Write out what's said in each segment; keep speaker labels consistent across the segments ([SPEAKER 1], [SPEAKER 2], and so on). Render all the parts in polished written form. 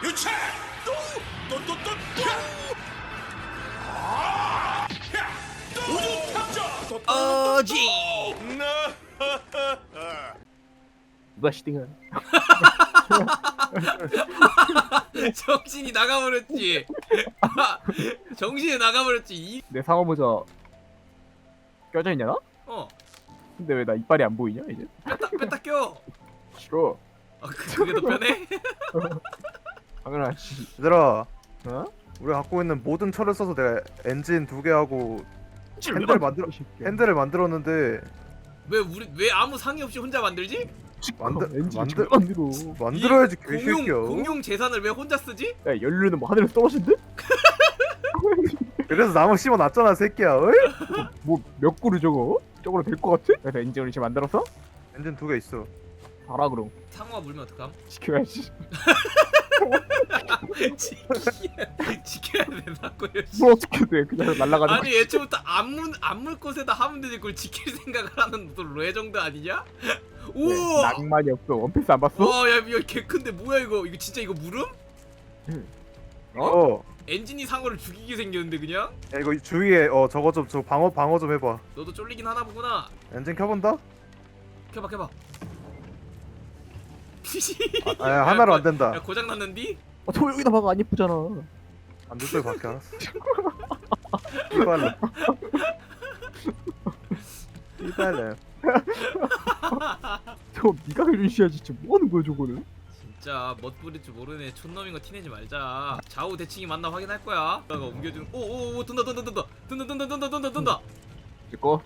[SPEAKER 1] 유차 또또또또 우주 탐정
[SPEAKER 2] 어지.
[SPEAKER 3] 누가 시딩을?
[SPEAKER 2] 정신이 나가버렸지. 정신이 나가버렸지.
[SPEAKER 3] 내 상어 모자 껴져 있냐 나?
[SPEAKER 2] 어,
[SPEAKER 3] 근데 왜 나 이빨이 안 보이냐 이제?
[SPEAKER 2] 뺐다 껴.
[SPEAKER 3] 싫어.
[SPEAKER 2] 그게 더 편해?
[SPEAKER 3] 당연하지.
[SPEAKER 4] 얘들아,
[SPEAKER 3] 어?
[SPEAKER 4] 우리가 갖고 있는 모든 철을 써서 내가 엔진 2개 하고 핸들을 만들었는데
[SPEAKER 2] 왜 아무 상의 없이 혼자 만들지?
[SPEAKER 4] 만들어야지
[SPEAKER 2] 이
[SPEAKER 4] 개새끼야.
[SPEAKER 2] 공용 재산을 왜 혼자 쓰지?
[SPEAKER 3] 야 연료는 뭐 하늘에서 떨어진대?
[SPEAKER 4] 그래서 나무 심어놨잖아 새끼야. 어이?
[SPEAKER 3] 뭐 몇 그루 저거? 저거로 될 것 같아? 그래서 엔진을 이제 만들었어?
[SPEAKER 4] 엔진 2개 있어.
[SPEAKER 3] 알아 그럼.
[SPEAKER 2] 상어가 물면 어떡함?
[SPEAKER 3] 지켜야지.
[SPEAKER 2] 지켜야 된다고요.
[SPEAKER 3] 뭐 어떻게 돼? 그냥 날아가는
[SPEAKER 2] 아니 애초부터 안물 곳에다 하면 되지 그걸 지킬 생각을 하는 또 로에 정도 아니냐? 우와!
[SPEAKER 3] 낭만이 없어. 원피스 안 봤어?
[SPEAKER 2] 와, 야, 개 큰데 뭐야 이거? 이거 진짜 이거 물음?
[SPEAKER 4] 어?
[SPEAKER 2] 엔진이 상어를 죽이게 생겼는데 그냥?
[SPEAKER 4] 야 이거 주위에 저거 좀 방어 좀 해봐.
[SPEAKER 2] 너도 쫄리긴 하나 보구나.
[SPEAKER 4] 엔진 켜본다?
[SPEAKER 2] 켜봐.
[SPEAKER 4] 아 하나로 안 된다.
[SPEAKER 2] 야 고장 났는디?
[SPEAKER 3] 저 여기다 봐가 안 예쁘잖아.
[SPEAKER 4] 안 됐어요 밖에 알았어. 이발래. 이발래.
[SPEAKER 3] 저 미각을 유지해야지. 지금 뭐 하는 거야 저거는?
[SPEAKER 2] 진짜 멋 부릴 줄 모르네. 촌놈인 거 티내지 말자. 좌우 대칭이 맞나 확인할 거야. 내가 옮겨주는. 오오오 든다.
[SPEAKER 3] 이제 꺼.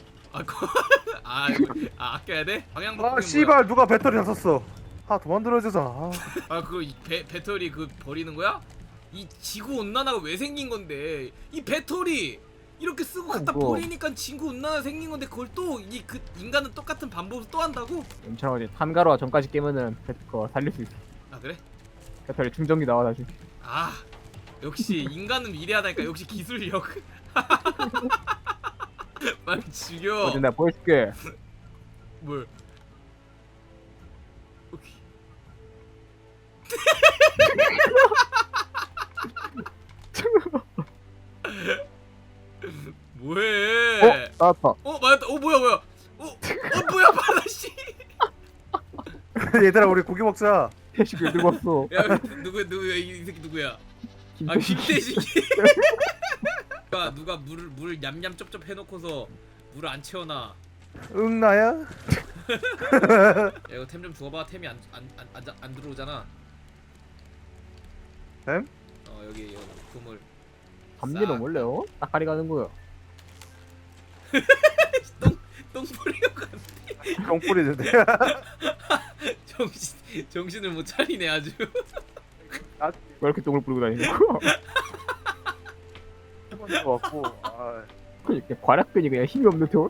[SPEAKER 2] 이거 아껴야 돼? 방향 바꾸는
[SPEAKER 4] 아
[SPEAKER 2] 거야.
[SPEAKER 4] 씨발 누가 배터리 다 썼어. 더 만들어주잖아.
[SPEAKER 2] 그거 배터리 그 버리는 거야? 이 지구 온난화가 왜 생긴 건데? 이 배터리 이렇게 쓰고 갖다
[SPEAKER 3] 뭐.
[SPEAKER 2] 버리니까 지구 온난화 생긴 건데 그걸 또 그 인간은 똑같은 반복을 또 한다고?
[SPEAKER 3] 괜찮아. 이제 탄가루와 전까지 깨면은 그거 살릴 수 있어.
[SPEAKER 2] 아 그래?
[SPEAKER 3] 배터리 충전기 나와 나중에.
[SPEAKER 2] 아 역시 인간은 위대하다니까. 역시 기술력. 빨리 죽여.
[SPEAKER 3] 어제 내가 보여줄게.
[SPEAKER 2] 뭘? 오케이. 뭐해?
[SPEAKER 3] 나왔다.
[SPEAKER 2] 맞았다. 뭐야? 뭐야 바다씨?
[SPEAKER 4] 얘들아 우리 고기 먹자.
[SPEAKER 3] 태식을 들고 왔어.
[SPEAKER 2] 야 누구야 이 새끼 누구야?
[SPEAKER 3] 김태식이.
[SPEAKER 2] 김태식이. 누가 물을 냠냠 쩝쩝 해놓고서 물을 안 채워놔.
[SPEAKER 4] 응 나야?
[SPEAKER 2] 야 이거 템 좀 주워봐. 템이 안 들어오잖아.
[SPEAKER 4] 템?
[SPEAKER 2] 여기 그물.
[SPEAKER 3] 담비는 원래요? 딱가리 가는 거야.
[SPEAKER 2] 똥 뿌리고 갔네.
[SPEAKER 4] 똥 뿌리는데.
[SPEAKER 2] 정신을 못 차리네 아주.
[SPEAKER 3] 왜 이렇게 똥을 뿌리고 다니는 거야?
[SPEAKER 4] 해본 거 같고.
[SPEAKER 3] 그러니까 과략근이 그냥 힘이 없는 돈?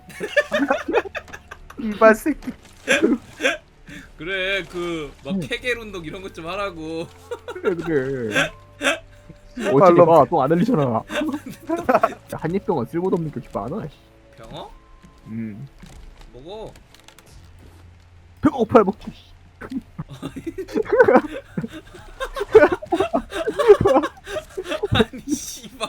[SPEAKER 4] 이발 새끼.
[SPEAKER 2] 그래 막 케겔 운동 이런 것 좀 하라고.
[SPEAKER 3] 그래. 어차피 봐똥안 흘리잖아. 한입병은 쓸모도 없는 게 그렇게 많아.
[SPEAKER 2] 병어? 먹어.
[SPEAKER 3] 배가 고파야 먹지.
[SPEAKER 2] 아니 씨발.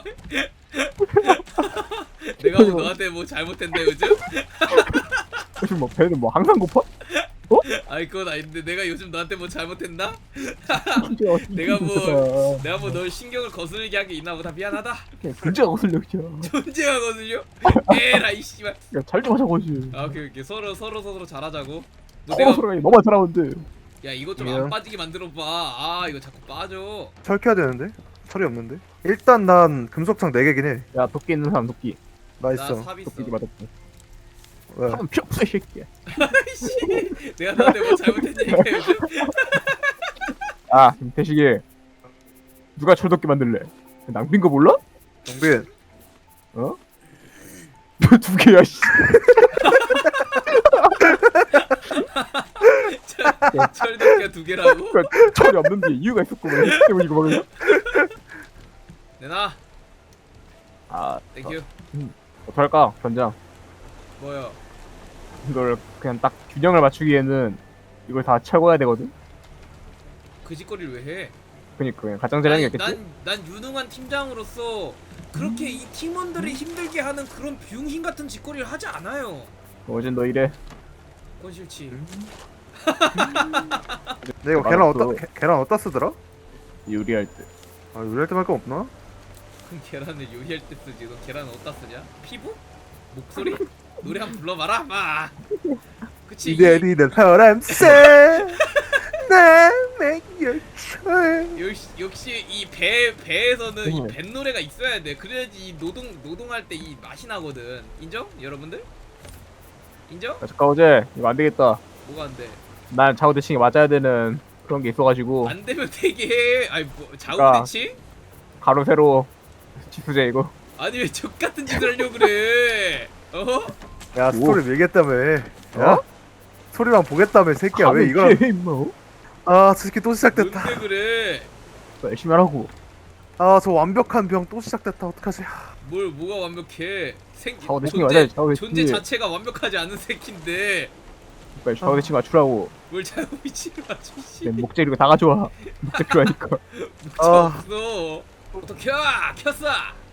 [SPEAKER 2] 내가 뭐 너한테 뭐 잘못했네 요즘?
[SPEAKER 3] 요즘 뭐 배는 뭐 항상 고파?
[SPEAKER 2] 아이 그건 아닌데 내가 요즘 너한테 뭐 잘못했나?
[SPEAKER 3] 내가
[SPEAKER 2] 내가 뭐 널 신경을 거슬리게 한 게 있나 보다. 미안하다.
[SPEAKER 3] 존재가 거슬려 그냥.
[SPEAKER 2] 존재가 거슬려? 에라이 씨발.
[SPEAKER 3] 잘좀 하자고지.
[SPEAKER 2] 오케이 서로 잘하자고.
[SPEAKER 3] 서로가 너만 잘하는데.
[SPEAKER 2] 야 이거 좀 안 빠지게 만들어 봐. 이거 자꾸 빠져.
[SPEAKER 4] 철 켜야 되는데? 철이 없는데? 일단 난 금속창 4개긴 해.
[SPEAKER 3] 야 도끼 있는 사람 도끼.
[SPEAKER 4] 나
[SPEAKER 2] 나
[SPEAKER 4] 있어.
[SPEAKER 2] 삽 있어.
[SPEAKER 3] 도끼 맞았고.
[SPEAKER 4] 왜?
[SPEAKER 3] 하면 필요 없어 이 새끼야.
[SPEAKER 2] 아이씨. 내가 너한테 뭐 잘못했냐니까 요즘.
[SPEAKER 3] 김태식이 누가 철도끼 만들래? 낭빈 거 몰라?
[SPEAKER 4] 정빈.
[SPEAKER 3] 어? 너 두 개야 씨.
[SPEAKER 2] 철도끼가 2개라고?
[SPEAKER 3] 그러니까 철이 없는데 이유가 있었구만. 때문에 이거 먹는 거.
[SPEAKER 2] 내놔. 땡큐.
[SPEAKER 3] 어떡할까 전장.
[SPEAKER 2] 뭐야?
[SPEAKER 3] 이걸 그냥 딱 균형을 맞추기에는 이걸 다 채워야 되거든.
[SPEAKER 2] 그 짓거리를 왜 해?
[SPEAKER 3] 그니까 그냥 가장자랑이었겠지?
[SPEAKER 2] 난 유능한 팀장으로서 그렇게 이 팀원들을 힘들게 하는 그런 병신 같은 짓거리를 하지 않아요.
[SPEAKER 3] 어젠 너 이래.
[SPEAKER 2] 그건 싫지.
[SPEAKER 4] 내가
[SPEAKER 3] 말없어.
[SPEAKER 4] 계란 어디다 계란 어디다 쓰더라?
[SPEAKER 3] 요리할 때.
[SPEAKER 4] 아 요리할 때 할 거 없나?
[SPEAKER 2] 그럼 계란을 요리할 때 쓰지. 너 계란 어디다 쓰냐? 피부? 목소리? 노래 한번 불러봐라. 마. 그치.
[SPEAKER 4] 이대리는 사람 나 make your choice.
[SPEAKER 2] 역시 이 배에서는 이
[SPEAKER 3] 응.
[SPEAKER 2] 뱃 노래가 있어야 돼. 그래야지 이 노동할 때 이 맛이 나거든. 인정? 여러분들? 인정?
[SPEAKER 3] 아, 잠깐 어제 이거 안 되겠다.
[SPEAKER 2] 뭐가 안 돼?
[SPEAKER 3] 난 좌우 대칭이 맞아야 되는 그런 게 있어가지고
[SPEAKER 2] 안 되면 되게 해. 아니 뭐 좌우
[SPEAKER 3] 그러니까.
[SPEAKER 2] 대칭?
[SPEAKER 3] 가로 세로 지수제 이거.
[SPEAKER 2] 아니 왜 적 같은 짓을 하려고 그래? 어?
[SPEAKER 4] 야 스토리 밀겠다며. 야?
[SPEAKER 3] 어?
[SPEAKER 4] 스토리만 보겠다며 새끼야. 왜 이걸?
[SPEAKER 3] 임마.
[SPEAKER 4] 아 저 새끼 또 시작됐다.
[SPEAKER 2] 뭔데 그래?
[SPEAKER 3] 열심히 하라고.
[SPEAKER 4] 아 저 완벽한 병 또 시작됐다. 어떡하지?
[SPEAKER 2] 뭐가 완벽해?
[SPEAKER 3] 좌우 대칭이 맞아야 좌우 대칭.
[SPEAKER 2] 존재 자체가 완벽하지 않은 새끼인데
[SPEAKER 3] 좌우 대칭 맞추라고.
[SPEAKER 2] 뭘 자유 위치를 맞추지?
[SPEAKER 3] 내 목재 이거 다 가져와. 목재 필요하니까.
[SPEAKER 2] 묻혀 없어. 어떻게 켰어?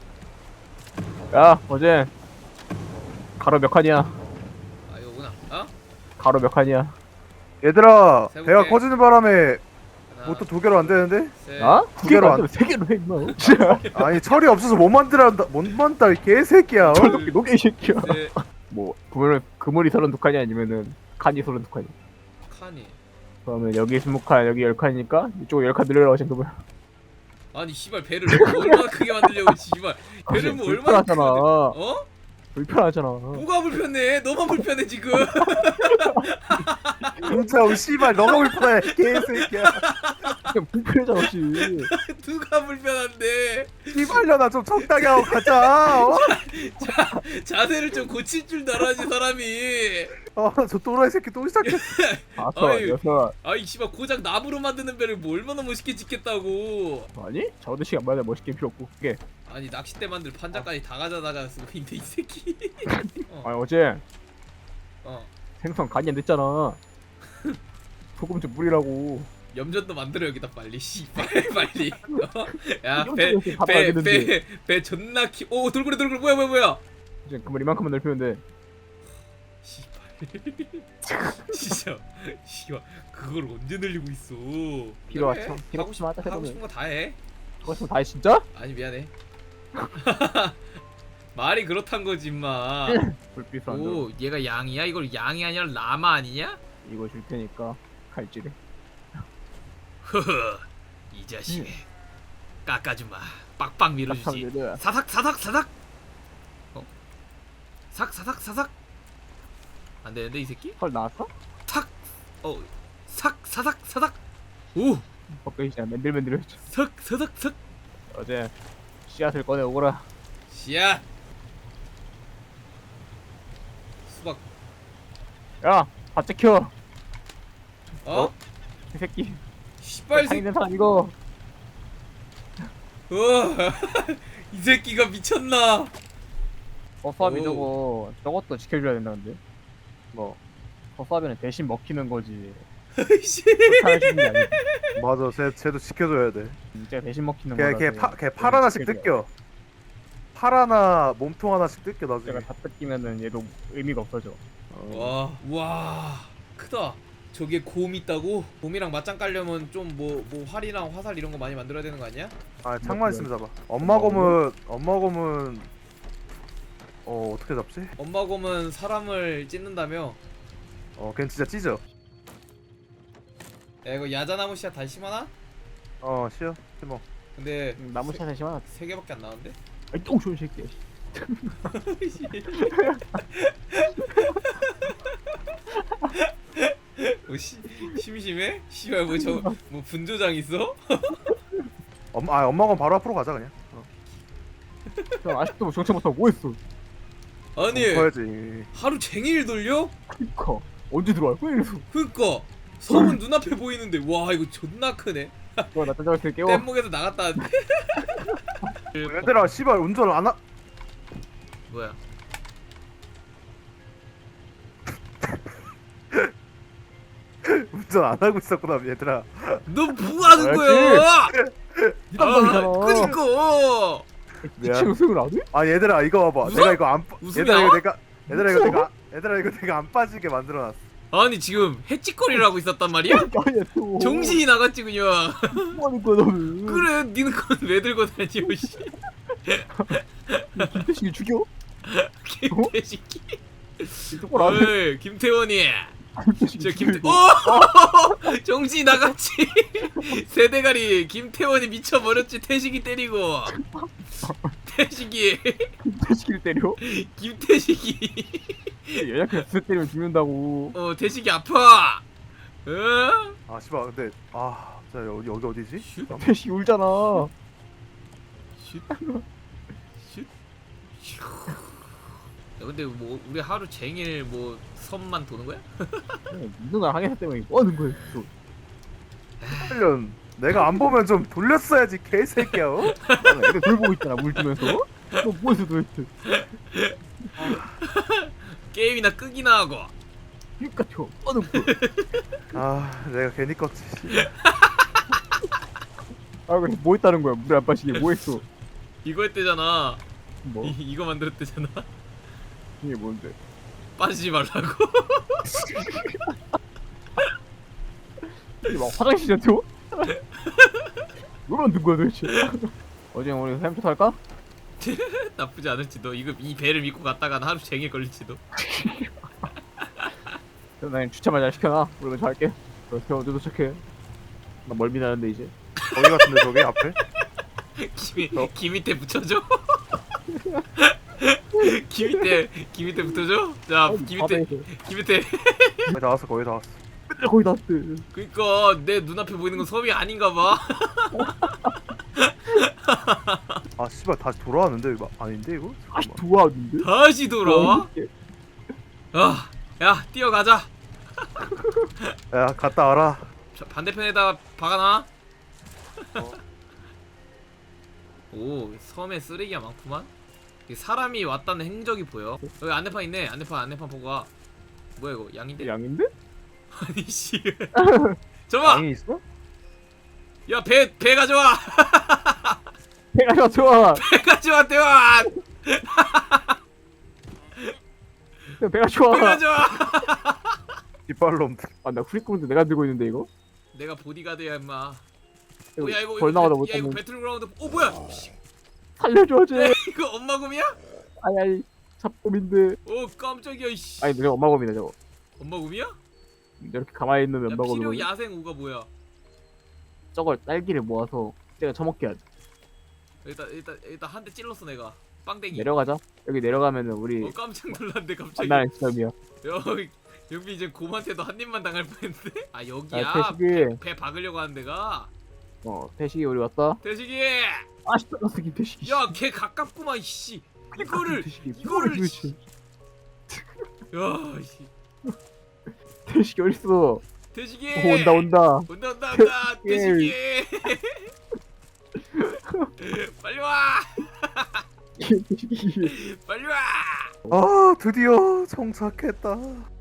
[SPEAKER 3] 야 어제 가로 몇 칸이야?
[SPEAKER 2] 아 이거구나. 어?
[SPEAKER 3] 가로 몇 칸이야?
[SPEAKER 4] 얘들아
[SPEAKER 2] 세볼게.
[SPEAKER 4] 배가 커지는 바람에
[SPEAKER 2] 하나,
[SPEAKER 4] 뭐 또 두 개로 안 되는데?
[SPEAKER 2] 셋.
[SPEAKER 3] 어?
[SPEAKER 4] 두 개로 안-
[SPEAKER 3] 세 개로 해 임마.
[SPEAKER 4] 아니 철이 없어서 못 만들한다. 못 만다 이 개새끼야. 어?
[SPEAKER 3] 철도끼 녹게 이 새끼야.
[SPEAKER 2] 셋.
[SPEAKER 3] 뭐 그물이 32칸이 아니면은 칸이 32칸이.
[SPEAKER 2] 칸이.
[SPEAKER 3] 그러면 여기 20칸 여기 10칸이니까 이쪽 10칸 늘려라고 생각을.
[SPEAKER 2] 아니 씨발 배를 얼마나 크게 만들려고 씨발 배를 뭐 얼마나 크게
[SPEAKER 3] 불편하잖아.
[SPEAKER 2] 만들- 어?
[SPEAKER 3] 불편하잖아.
[SPEAKER 2] 뭐가 불편해? 너만 불편해 지금.
[SPEAKER 4] 진짜 씨발 너가 불편해 개새끼야.
[SPEAKER 3] 그냥 불편하잖아 씨.
[SPEAKER 2] 누가 불편한데?
[SPEAKER 4] 씨발려나 좀 적당히 하고 가자. 어?
[SPEAKER 2] 자세를 좀 고칠 줄도 알아야지 사람이.
[SPEAKER 4] 저 또라이 새끼 또 시작했어.
[SPEAKER 3] 다섯
[SPEAKER 2] 아이.
[SPEAKER 3] 여섯.
[SPEAKER 2] 아이 씨발 고작 나무로 만드는 배를 뭐 얼마나 멋있게 짓겠다고.
[SPEAKER 3] 아니 자우대식 안 맞아 멋있게 필요 없고 그게.
[SPEAKER 2] 아니 낚싯대 만들 판자까지 다 가져다가 쓰고 있는데 이 새끼.
[SPEAKER 3] 아니 어제
[SPEAKER 2] 어.
[SPEAKER 3] 생선 간이 안 됐잖아. 소금 좀 뿌리라고.
[SPEAKER 2] 염전도 만들어 여기다 빨리 씨발 빨리. 어?
[SPEAKER 3] 염전 이렇게 밥을 안 되는데.
[SPEAKER 2] 야배 존나 오 돌고래 뭐야.
[SPEAKER 3] 이제 그물 이만큼만 넓히면 돼.
[SPEAKER 2] 씨발. 진짜 씨발 그걸 언제 늘리고 있어.
[SPEAKER 3] 필요하죠.
[SPEAKER 2] 그래,
[SPEAKER 3] 필요
[SPEAKER 2] 하고 싶
[SPEAKER 3] 없으면 하자,
[SPEAKER 2] 하고
[SPEAKER 3] 해보면.
[SPEAKER 2] 싶은 거 다 해.
[SPEAKER 3] 그거 싶으면 다 해 진짜?
[SPEAKER 2] 아니 미안해. 말이 그렇단 거지 임마.
[SPEAKER 3] 불빛 안
[SPEAKER 2] 오 얘가 양이야? 이걸 양이 아니라 라마 아니냐?
[SPEAKER 3] 이거 줄 테니까 칼질해.
[SPEAKER 2] 흐흐 이 자식 깎아주마. 빡빡 밀어주지.
[SPEAKER 3] 깎아주지.
[SPEAKER 2] 사삭 어? 사삭 안 되는데 이 새끼?
[SPEAKER 3] 헐 나왔어?
[SPEAKER 2] 사삭 오
[SPEAKER 3] 헛것이 그냥 맨들맨들했죠.
[SPEAKER 2] 사삭
[SPEAKER 3] 어제 씨앗을 꺼내 오거라.
[SPEAKER 2] 씨앗 수박
[SPEAKER 3] 야 밭째 켜.
[SPEAKER 2] 어?
[SPEAKER 3] 이 새끼.
[SPEAKER 2] 씨발 새끼
[SPEAKER 3] 상인된 사람 이거.
[SPEAKER 2] 이 새끼가 미쳤나?
[SPEAKER 3] 허수아비
[SPEAKER 2] 오.
[SPEAKER 3] 저것도 지켜줘야 된다는데. 뭐 허수아비는 대신 먹히는 거지.
[SPEAKER 2] 씨.
[SPEAKER 3] 살아주는 게 아니지.
[SPEAKER 4] 맞아 쟤도 지켜줘야 돼.
[SPEAKER 3] 진짜 대신 먹히는 거라.
[SPEAKER 4] 걔팔 하나씩 뜯겨. 팔 하나 몸통 하나씩 뜯겨 나중에.
[SPEAKER 3] 제가 다 뜯기면은 얘도 의미가 없어져.
[SPEAKER 2] 와 크다. 저게 곰 있다고? 곰이랑 맞짱 깔려면 좀 뭐 활이랑 화살 이런 거 많이 만들어야 되는 거 아니야?
[SPEAKER 4] 아 창만 있으면 잡아. 엄마 곰은 어떻게 잡지?
[SPEAKER 2] 엄마 곰은 사람을 찢는다며?
[SPEAKER 4] 걔는 진짜 찢어.
[SPEAKER 2] 야 이거 야자나무 씨앗 다시 심어놔?
[SPEAKER 4] 쉬어 심어.
[SPEAKER 2] 근데
[SPEAKER 3] 나무 차사 심어.
[SPEAKER 2] 세 개밖에 안 나오는데?
[SPEAKER 3] 아이 똥쇼 새끼야.
[SPEAKER 2] 뭐 심심해? 씨발 뭐 분조장 있어?
[SPEAKER 4] 엄마 곰 바로 앞으로 가자 그냥.
[SPEAKER 3] 야, 아직도 뭐 정체 못하고 뭐 했어?
[SPEAKER 2] 아니
[SPEAKER 4] 커야지.
[SPEAKER 2] 하루 종일 돌려?
[SPEAKER 3] 그니까 언제 들어와? 왜 이래서?
[SPEAKER 2] 그니까 섬은 눈앞에 보이는데 와 이거 존나 크네.
[SPEAKER 3] 나 짜장면 때 깨워.
[SPEAKER 2] 뗏목에서 나갔다 왔는데.
[SPEAKER 4] 얘들아 씨발 운전 안 하.
[SPEAKER 2] 뭐야?
[SPEAKER 4] 운전 안 하고 있었구나 얘들아.
[SPEAKER 2] 너 뭐하는
[SPEAKER 3] 알지?
[SPEAKER 2] 거야?
[SPEAKER 3] 이 담당이잖아.
[SPEAKER 2] 그니까.
[SPEAKER 3] 미친 우승을 안 해?
[SPEAKER 4] 아 얘들아 이거 봐봐.
[SPEAKER 2] 웃어?
[SPEAKER 4] 내가 이거 안 빠-
[SPEAKER 2] 웃음이
[SPEAKER 4] 얘들아 이거
[SPEAKER 2] 나와?
[SPEAKER 4] 내가 얘들아 이거 내가 안 빠지게 만들어놨어.
[SPEAKER 2] 아니 지금 해찌거리를 하고 있었단 말이야?
[SPEAKER 3] 아니야 또.
[SPEAKER 2] 정신이 나갔지 그냥.
[SPEAKER 3] 뭐 하는 거야 너는?
[SPEAKER 2] 그래 니는 그건 왜 들고 다니오 씨.
[SPEAKER 3] 김태식이 죽여?
[SPEAKER 2] 김태식이.
[SPEAKER 3] 똑바로 안 해.
[SPEAKER 2] 어이 김태원이.
[SPEAKER 3] 김태식이
[SPEAKER 2] 저
[SPEAKER 3] 죽여,
[SPEAKER 2] 김태.
[SPEAKER 3] 이거.
[SPEAKER 2] 오! 정신이 나갔지. 세대가리 김태원이 미쳐버렸지. 태식이 때리고. 태식이.
[SPEAKER 3] 김태식이를 때려?
[SPEAKER 2] 김태식이.
[SPEAKER 3] 연약해서 스 때리면 죽는다고.
[SPEAKER 2] 태식이 아파. 어?
[SPEAKER 4] 아 씨발 근데 자 여기 어디지?
[SPEAKER 2] 슛.
[SPEAKER 3] 태식이 울잖아.
[SPEAKER 2] 슛. 슛. 슛. 야 근데 뭐 우리 하루 종일 뭐 섬만 도는 거야?
[SPEAKER 3] 누나 항해사 때문에 뭐 하는 거야 또.
[SPEAKER 4] 훈련 내가 안 보면 좀 돌렸어야지 개새끼야. 어?
[SPEAKER 3] 애들 돌보고 있잖아 물 주면서. 너 뭐해서 도대체.
[SPEAKER 2] 게임이나 끄기나 하고.
[SPEAKER 3] 그니까 저 하는 거야.
[SPEAKER 4] 아 내가 괜히 껐지.
[SPEAKER 3] 아 그래 뭐 했다는 거야 물에 안 빠지게 뭐 했어.
[SPEAKER 2] 이거 했대잖아.
[SPEAKER 3] 뭐?
[SPEAKER 2] 이거 만들었대잖아.
[SPEAKER 3] 이게 뭔데?
[SPEAKER 2] 빠지지 말라고.
[SPEAKER 3] 이게 막 화장실이야 또? 왜 만든 거야 도대체? 어제 우리 햄스터 할까?
[SPEAKER 2] 나쁘지 않을지도. 이 배를 믿고 갔다가는 하루 종일 걸릴지도.
[SPEAKER 3] 그럼 난 주차만 잘 시켜놔. 우리 먼저 할게. 너 언제 도착해? 나 멀미 나는데 이제.
[SPEAKER 4] 거기 같은데 저기 앞에?
[SPEAKER 2] 귀 밑에 붙여줘. 귀 밑에 붙여줘. 자, 귀 밑에.
[SPEAKER 4] 거의 다 왔어 거의 다 왔어.
[SPEAKER 3] 맨날 거의 다 왔대.
[SPEAKER 2] 그니까 내 눈앞에 보이는 건 섬이 아닌가 봐.
[SPEAKER 4] 아 씨발 다시 돌아왔는데 이거 아닌데 이거?
[SPEAKER 3] 다시
[SPEAKER 4] 잠깐만.
[SPEAKER 3] 돌아왔는데?
[SPEAKER 2] 다시 돌아와. 야, 뛰어가자.
[SPEAKER 4] 야 갔다 와라.
[SPEAKER 2] 저 반대편에다 박아놔. 오, 섬에 쓰레기가 많구만. 이게 사람이 왔다는 행적이 보여. 여기 안내판 있네. 안내판 보고 가. 뭐야 이거 양인데?
[SPEAKER 3] 양인데?
[SPEAKER 2] 아니 씨. 잠깐만.
[SPEAKER 4] 양이 있어?
[SPEAKER 2] 야, 배 가져와.
[SPEAKER 3] 배가 좋아.
[SPEAKER 2] 배 가져와 대원.
[SPEAKER 3] 배가 좋아.
[SPEAKER 2] 배 가져와.
[SPEAKER 4] 뒷발놈들.
[SPEAKER 3] 아나 후리꾸문도 내가 들고 있는데 이거?
[SPEAKER 2] 내가 보디가드야 임마.
[SPEAKER 3] 이거
[SPEAKER 2] 야 이거
[SPEAKER 3] 벌 나가다
[SPEAKER 2] 야 이거
[SPEAKER 3] 못하면
[SPEAKER 2] 배틀그라운드. 뭐야?
[SPEAKER 3] 살려줘 쟤.
[SPEAKER 2] 야, 이거 엄마 곰이야?
[SPEAKER 3] 아이 잡곰인데.
[SPEAKER 2] 오 깜짝이야 이씨.
[SPEAKER 3] 아니 내가 엄마곰이네 저거.
[SPEAKER 2] 엄마 곰이야?
[SPEAKER 3] 이렇게 가만히 있는
[SPEAKER 2] 야,
[SPEAKER 3] 엄마곰이.
[SPEAKER 2] 필요 야생 우가 뭐야?
[SPEAKER 3] 저걸 딸기를 모아서 내가 처먹게 하자.
[SPEAKER 2] 일단 한 대 찔렀어 내가. 빵댕이.
[SPEAKER 3] 내려가자. 여기 내려가면은 우리
[SPEAKER 2] 깜짝 놀랐네 갑자기.
[SPEAKER 3] 만나는 지점이야.
[SPEAKER 2] 여기 이제 곰한테도 한 입만 당할 뻔했는데. 아 여기야.
[SPEAKER 3] 아 태식이.
[SPEAKER 2] 배 박으려고 하는 데가.
[SPEAKER 3] 태식이 우리 왔다.
[SPEAKER 2] 대식이.
[SPEAKER 3] 아씨 떨었어 김태식이.
[SPEAKER 2] 야 걔 가깝구만 씨. 이거를
[SPEAKER 3] 이거를
[SPEAKER 2] 씨. 야 씨.
[SPEAKER 3] 태식이 어딨어?
[SPEAKER 2] 대식이.
[SPEAKER 3] 온다.
[SPEAKER 2] 온다. 대식이. 빨리 와.
[SPEAKER 3] 태식이.
[SPEAKER 2] 빨리 와.
[SPEAKER 4] 아 드디어 정착했다.